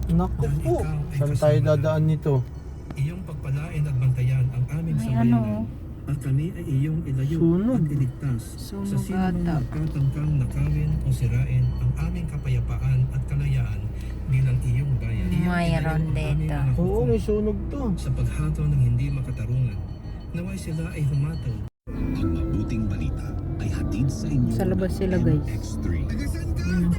Naku po, saan tayo dadaan nito? Iyong pagpalain at bantayan ang aming May sambayanan. At kami ay iyong ilayo Sunog. at iligtas sa Sunog sino mang ata. nagkatangkang nakawin o sirain ang aming kapayapaan at kalayaan bilang iyong bayan. Iyong Mayroon ilayo ang aming dito. mga Oo, hukom may sunog to. sa paghato ng hindi makatarungan. Naway sila ay humataw. Ang mabuting balita ay hatid sa inyo Sa labas ng sila, guys. MX3. Yun.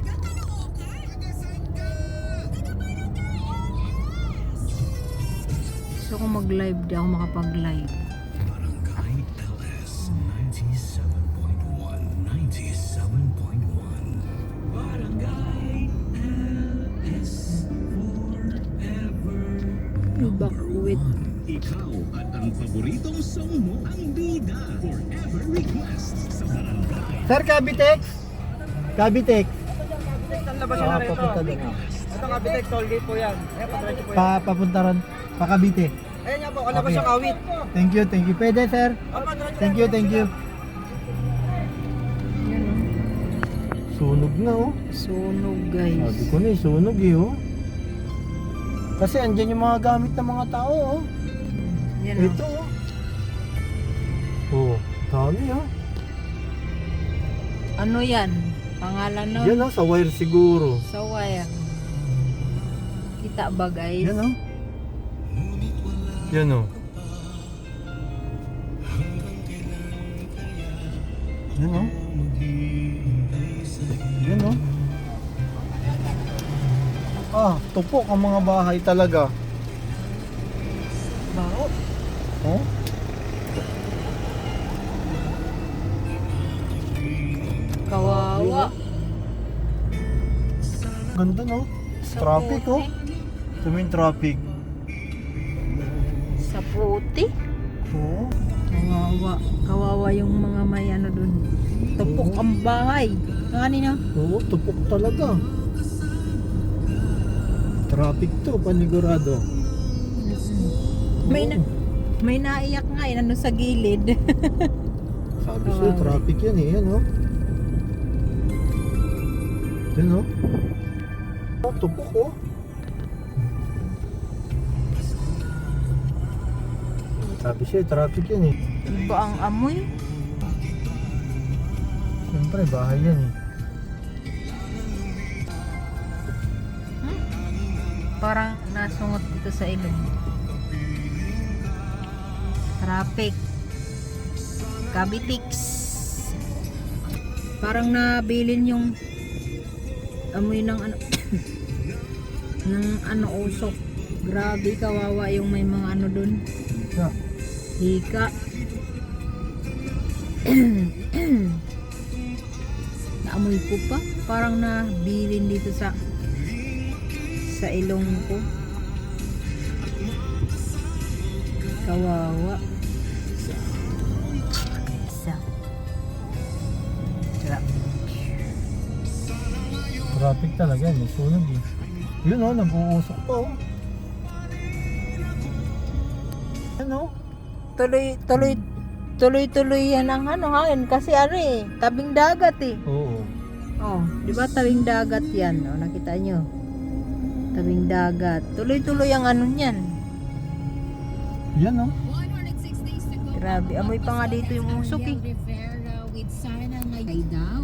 Gusto ko mag-live, di ako makapag-live. Barangay LS 97.1 97.1 Barangay LS Forever Bakwit. Ikaw at ang paboritong song mo ang bida Forever Request sa Barangay Sir, Cavitex? Cavitex. Saan labas yun na rito? Papunta doon. Ito Cavite, toll gate po yan. Ayan, padiretso po yan. Papunta ron. Pa Cavite. Ayan nga po, kalabas Okay. yung awit. Thank you, thank you. Pwede, sir. Apa, diretso Thank you, thank you. Yun, oh. Sunog na, oh. Sunog, guys. Sabi ko na, sunog eh, oh. Kasi andyan yung mga gamit ng mga tao, oh. Yan, oh. Ito, oh. Oh, dami, oh. Ano yan? Pangalan nun? Yan, oh, sa wire siguro. Sa wire. Kita ba, guys? Yan, oh. Yan, oh. Yan, oh. Yan, oh. Ah, tupok ang mga bahay talaga. Bao. Oh? Kawawa. Ganda, no? Sa Traffic, oh. puti. Ito yung traffic. Sa puti. Oo. Kawawa. Kawawa yung mga may ano dun. Tupok ang bahay. Kanina. Oo, tupok talaga. Traffic to, panigurado. May naiyak nga yun, ano sa gilid. Sabi sa'yo, traffic yan eh. Yan, oh. Yan, oh. Oh, tupok, oh. Sabi sa'yo, traffic yan eh. Iba ang amoy. Siyempre, bahay yan eh. Parang nasungot dito sa ilong. Traffic. Cavitex. Parang nabilin yung amoy ng ano ng ano usok. Grabe, kawawa yung may mga ano dun. Yeah. Hika. Naamoy ko pa. Parang nabilin dito sa ilong ko. Kawawa. Isa. Traffic talaga yan, may sunog eh. Yun, oh, nag-uusok pa, oh. Yan, oh. Tuloy yan ang ano hangin kasi ano eh, tabing dagat eh. Oo. Oh, di ba tabing dagat yan? Oh, nakita nyo? Tabing dagat. Tuloy ang ano niyan. Yan, oh. Grabe, amoy pa nga dito yung usok eh. Rivera with Sana Ngay daw.